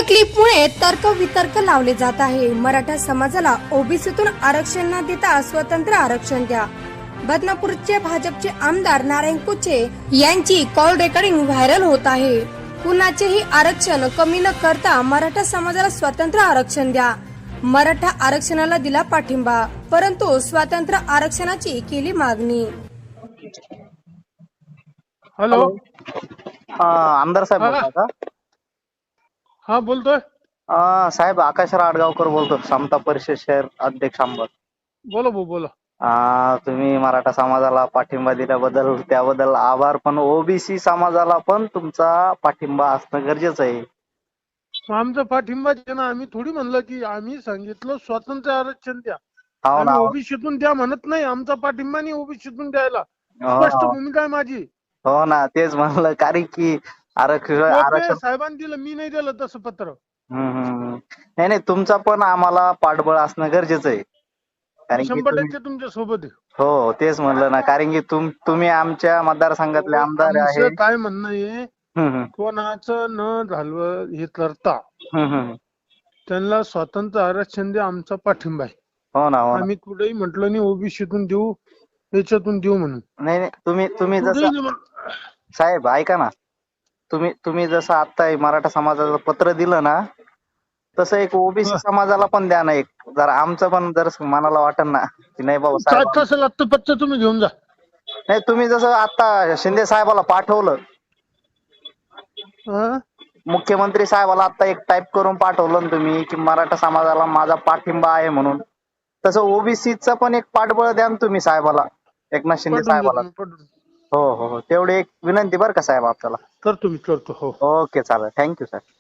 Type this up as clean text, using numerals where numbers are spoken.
क्लिपमुळे तर्कवितर्क लावले जात आहे। मराठा समाजाला ओबीसीतून आरक्षण न देता स्वतंत्र आरक्षण द्या। बदनापूरचे भाजपचे आमदार नारायण कुचे यांची कॉल रेकॉर्डिंग व्हायरल होत आहे। कुणाचेही आरक्षण कमी न करता मराठा समाजाला स्वतंत्र आरक्षण द्या। मराठा आरक्षणाला दिला पाठिंबा, परंतु स्वतंत्र आरक्षणाची केली मागणी। हॅलो, आमदार साहेब हा. बोलता का? हा बोलतोय। साहेब आकाश राडगावकर बोलतो, समता परिषद शहर अध्यक्ष अंबड। बोला भाऊ बोला। तुम्ही मराठा समाजाला पाठिंबा दिल्याबद्दल त्याबद्दल आभार, पण ओबीसी समाजाला पण तुमचा पाठिंबा असणं गरजेचं आहे। आमचा पाठिंबा आहे ना, आम्ही थोडी म्हणलं की आम्ही सांगितलं स्वतंत्र आरक्षण द्या। हो ना, आम्ही ओबीसीतून द्या म्हणत नाही, आमचा पाठिंबा नाही ओबीसीतून द्यायला। हो स्पष्ट ना, भूमिका आहे माझी। हो ना, तेच म्हणलं, कारण की टोपे आरक्षण साहेबांनी दिलं, मी नाही दिलं तसं पत्र। नाही नाही, तुमचा पण आम्हाला पाठबळ असणं गरजेचं आहे, कारण की 100% तुमच्या सोबत आहे। हो तेच म्हणलं ना, कारण की तुम्ही आमच्या मतदारसंघातले आमदार आहे। आमचं काय म्हणणं आहे, हम्म, कोणाचं न झालं हे करता हम्म. त्यांना स्वतंत्र आरक्षण द्या, आमचा पाठिंबा आहे। हो ना, हो ना. आम्ही कुठेही म्हटलं नाही ओबीसीतून देऊ, याच्यातून देऊ म्हणून। नाही नाही, तुम्ही जसं कुठेही नाही साहेब ऐका ना, तुम्ही जसं आता मराठा समाजाचं पत्र दिलं ना, तसं एक ओबीसी समाजाला पण द्या ना एक, जरा आमचं पण जर मनाला वाटन ना की नाही बाबा काय साहेब। कसं लागतं पत्र तुम्ही घेऊन जा। नाही, तुम्ही जसं आता शिंदे साहेबाला पाठवलं, हा? मुख्यमंत्री साहेबाला आता एक टाईप करून पाठवलं ना तुम्ही की मराठा समाजाला माझा पाठिंबा आहे म्हणून, तसं ओबीसीचं पण एक पाठबळ द्या ना तुम्ही साहेबाला, एकनाथ शिंदे पाठवून साहेबाला। देतो, पाठवून हो हो हो, तेवढी एक विनंती बरं का साहेब आपल्याला। करतो मी, करतो हो। ओके, चालेल, थँक्यू सर।